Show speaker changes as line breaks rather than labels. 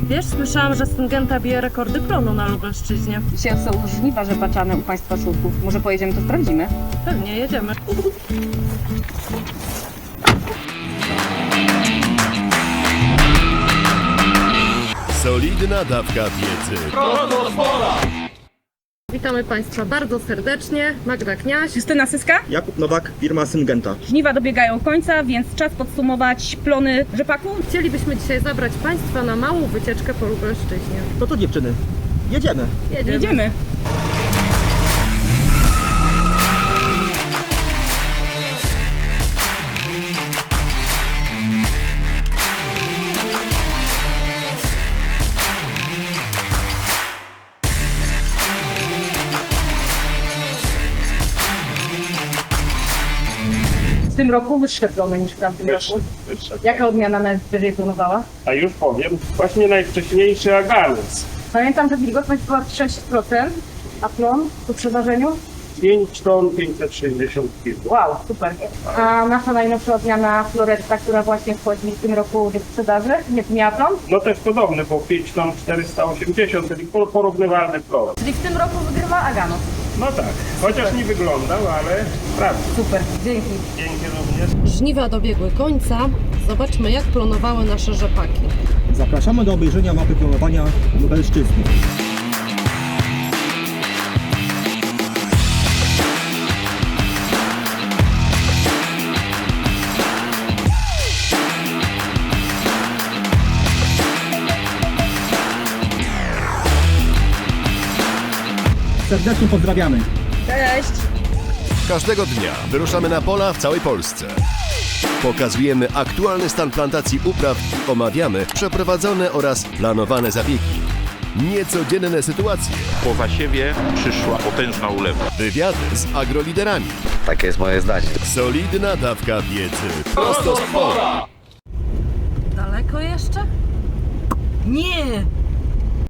Wiesz, słyszałam, że Syngenta bije rekordy plonu na Lubelszczyźnie.
Dzisiaj są żniwa rzepaczane u Państwa Szurków. Może pojedziemy, to sprawdzimy.
Pewnie, jedziemy.
Solidna dawka wiedzy.
Witamy Państwa bardzo serdecznie. Magda Kniaś.
Justyna Syska.
Jakub Nowak, firma Syngenta.
Żniwa dobiegają końca, więc czas podsumować plony rzepaku.
Chcielibyśmy dzisiaj zabrać Państwa na małą wycieczkę po Lubelszczyźnie.
No to dziewczyny, jedziemy.
Jedziemy. W tym roku wyższe plony niż w tamtym roku. Jaka odmiana najwyżej planowała?
A już powiem, właśnie najwcześniejszy aganus.
Pamiętam, że wilgotność była 6%, a plon po przeważeniu?
5 ton 560 kg.
Wow, super. A nasza najnowsza odmiana Floretta, która właśnie wchodzi w tym roku do sprzedaży, nie miała plon?
No też podobny, bo 5 ton 480, czyli porównywalny plon.
Czyli w tym roku wygrywa Aganos.
No tak, chociaż nie wyglądał, ale prawda.
Super, dzięki.
Dzięki również.
Żniwa dobiegły końca. Zobaczmy, jak plonowały nasze rzepaki.
Zapraszamy do obejrzenia mapy planowania Lubelszczyzny. Serdecznie pozdrawiamy.
Cześć!
Każdego dnia wyruszamy na pola w całej Polsce. Pokazujemy aktualny stan plantacji upraw, omawiamy przeprowadzone oraz planowane zabiegi. Niecodzienne sytuacje,
Po zasiewie przyszła potężna ulewa.
wywiady z agroliderami.
Takie jest moje zdanie.
Solidna dawka wiedzy. Prosto z pola.
Daleko jeszcze? Nie!